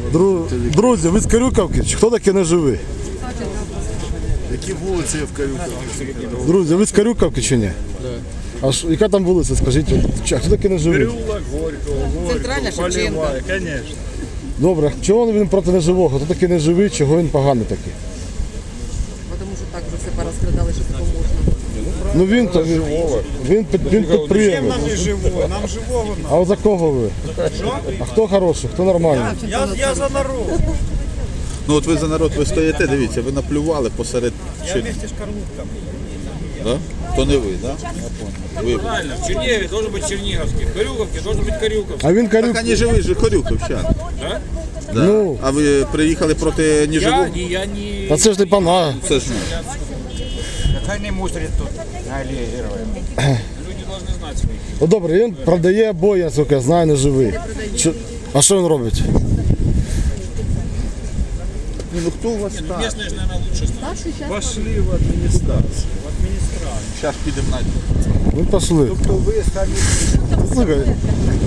Друзі, ви з Карюківки? Чи хто таке не живий? Які вулиці є в Карюківці? Друзі, ви з Карюківки чи ні? А яка там вулиця, скажіть? А хто таке не живий? Переулок Горького, Центральна Шевченка. Конечно. Добре, чого він проти неживого? Хто такий неживий, чого він поганий такий? Тому що так вже все порозкрадали, що таке можна. Ну він підприємець. Нам не живого, нам живого надо. А от за кого ви? А хто хороший, хто нормальний? Я за народ. Ну от ви за народ, ви стоїте, дивіться, ви наплювали посеред... Я вместе з Карлутками. Да? То не ви, да? Ви. Правильно, в Чернигове должен быть Черниговский, в Карюковке должен быть Карюковский. А він Так Карюк. вони живі ж Хорюковчан. Да? Да. Ну. А ви приїхали проти неживого? Я не... Та це ж не пана. Це ж Хай не мусорять тут на алеї героїв. Люди должны знать своих. Ну добре, він продає обої, наскільки я знаю, не живий. А що він робить? ну хто у вас так? Местные же, наверное, лучше знают. Пошли в адміністрацію. Зараз підемо на... Ми пішли. То ви самі Слухай,